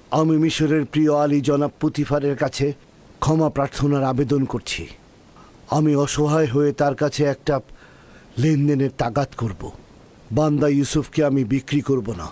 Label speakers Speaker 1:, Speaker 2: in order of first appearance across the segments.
Speaker 1: আমি মিশরের প্রিয় আলী জনাব পুতিফারের কাছে ক্ষমা প্রার্থনার আবেদন করছি। আমি অসহায় হয়ে তার কাছে একটা লেনদেনের তাগাদ করব। বান্দা ইউসুফকে আমি বিক্রি করব না।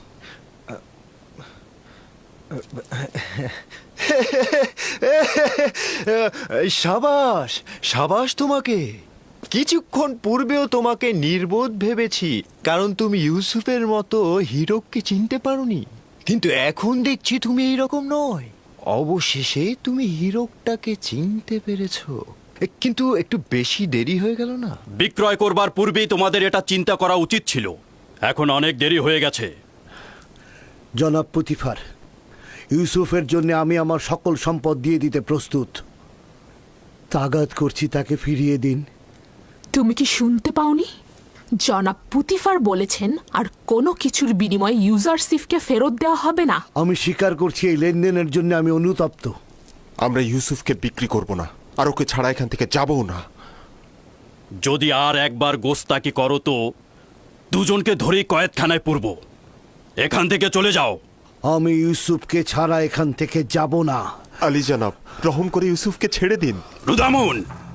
Speaker 2: সাবাস সাবাস তোমাকে। কিছুক্ষণ পূর্বেও তোমাকে নির্বোধ ভেবেছি, কারণ তুমি ইউসুফের মতো হীরককে চিনতে পারোনি। কিন্তু এখন দেখছি তুমি এইরকম নয়। অবশেষে তুমি হীরকটাকে চিনতে পেরেছো। কিন্তু একটু বেশি দেরি হয়ে গেল না?
Speaker 3: বিক্রয় করবার পূর্বেই তোমাদের এটা চিন্তা করা উচিত ছিল। এখন অনেক দেরি হয়ে গেছে।
Speaker 1: জনাব পুতিফার, ইউসুফের জন্য আমি আমার সকল সম্পদ দিয়ে দিতে প্রস্তুত। তাগাদ করছি তাকে ফিরিয়ে দিন।
Speaker 4: তুমি কি শুনতে পাওনি? জনাব পুতিফার বলেছেন আর কোনো কিছুর বিনিময়ে ইউজারশিপকে ফেরত দেওয়া হবে না।
Speaker 1: আমি স্বীকার করছি এই লেনদেনের জন্য আমি অনুতপ্ত।
Speaker 5: আমরা ইউসুফকে বিক্রি করব না, আর ওকে ছাড়া এখান থেকে যাবও না।
Speaker 3: যদি আর একবার গোস্তাকি করো তো দুজনকে ধরেই কয়েদখানায় পুরব। এখান থেকে চলে যাও।
Speaker 1: আমি ইউসুফকে ছাড়া এখান থেকে যাব না।
Speaker 5: আলী জনাব, রহম করে ইউসুফকে ছেড়ে দিন।
Speaker 3: রুদামুন,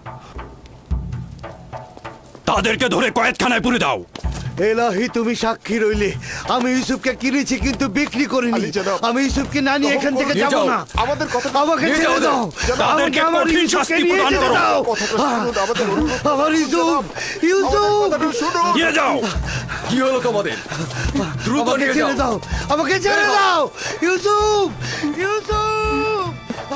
Speaker 3: তাদেরকে ধরে কয়েদখানায় পুরে দাও।
Speaker 1: এলাহি, তুমি সাক্ষী রইলে। আমি ইউসুফকে কিনেছি কিন্তু বিক্রি করিনি।
Speaker 5: আলী জনাব,
Speaker 1: আমি ইউসুফকে না নিয়ে এখান থেকে যাব না।
Speaker 5: আমাদের কথা
Speaker 1: আমাকে ছেড়ে দাও।
Speaker 3: তাদেরকে
Speaker 1: আমাকে আমার
Speaker 3: কঠিন
Speaker 1: ইউসুফকে
Speaker 3: শাস্তি
Speaker 1: নিয়ে
Speaker 3: প্রদান
Speaker 1: যেতে
Speaker 3: করো।
Speaker 1: দাও।
Speaker 5: আমাদের অনুরোধ,
Speaker 1: আমার ইউসুফ, ইউসুফ,
Speaker 5: শুনুন।
Speaker 3: নিয়ে যাও।
Speaker 6: কি হলো তোমাদের? দ্রুত
Speaker 1: আমাকে
Speaker 6: নিয়ে
Speaker 1: ছেড়ে
Speaker 6: যাও।
Speaker 1: দাও। আমাকে ছেড়ে দাও। ইউসুফ, ইউসুফ।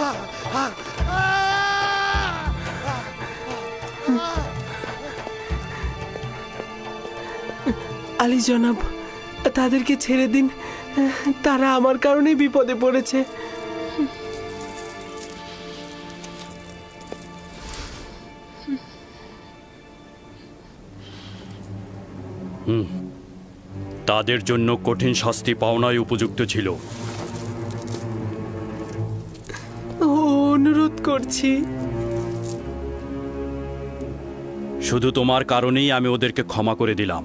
Speaker 7: আলী জনাব, তাদেরকে ছেড়ে দিন। তারা আমার কারণেই বিপদে পড়েছে।
Speaker 3: তাদের জন্য কঠিন শাস্তি পাওনাই উপযুক্ত ছিল।
Speaker 7: অনুরোধ করছি।
Speaker 3: শুধু তোমার কারণেই আমি ওদেরকে ক্ষমা করে দিলাম।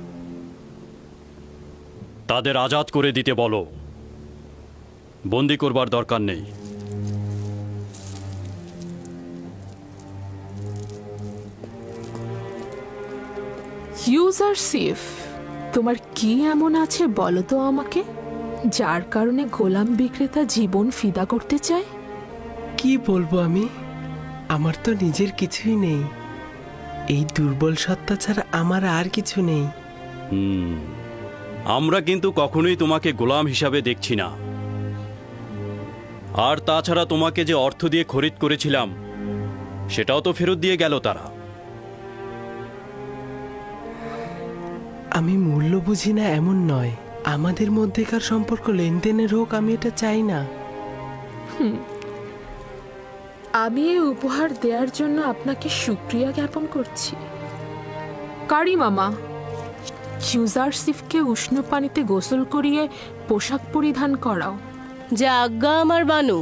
Speaker 3: তাদের আজাদ করে দিতে বলো। বন্দি করবার দরকার নেই।
Speaker 4: ইউজারশিপ, তোমার কি এমন আছে বলো তো আমাকে, যার কারণে গোলাম বিক্রেতা জীবন ফিদা করতে চায়?
Speaker 7: কি বলবো আমি? আমার তো নিজের কিছুই নেই। এই দুর্বল সত্তা ছাড়া আমার আর কিছু নেই।
Speaker 3: আমরা কিন্তু কখনোই তোমাকে গোলাম হিসাবে দেখছি না। আর তাছাড়া তোমাকে যে অর্থ দিয়ে খরিদ করেছিলাম সেটাও তো ফেরত দিয়ে গেল তারা।
Speaker 7: আমি মূল্য বুঝি না এমন নয়। আমাদের মধ্যেকার সম্পর্ক লেনদেনের হোক, আমি এটা চাই না।
Speaker 4: আমি এই উপহার দেওয়ার জন্য আপনাকে শুকরিয়া জ্ঞাপন করছি। কারি মামা, ইউজারশিপকে উষ্ণ পানিতে গোসল করিয়ে পোশাক পরিধান করাও।
Speaker 8: যা আজ্ঞা আমার বানু।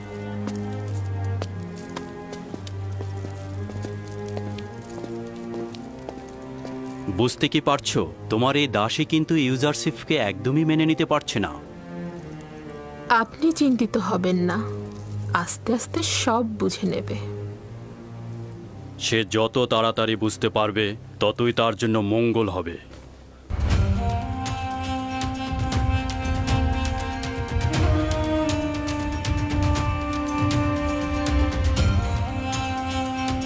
Speaker 3: বুঝতে কি পারছো? তোমার এই দাসী কিন্তু ইউজারশিপকে একদমই মেনে নিতে পারছে না।
Speaker 4: আপনি চিন্তিত হবেন না, আস্তে আস্তে সব বুঝে নেবে।
Speaker 3: সে যত তাড়াতাড়ি বুঝতে পারবে ততই তার জন্য মঙ্গল হবে।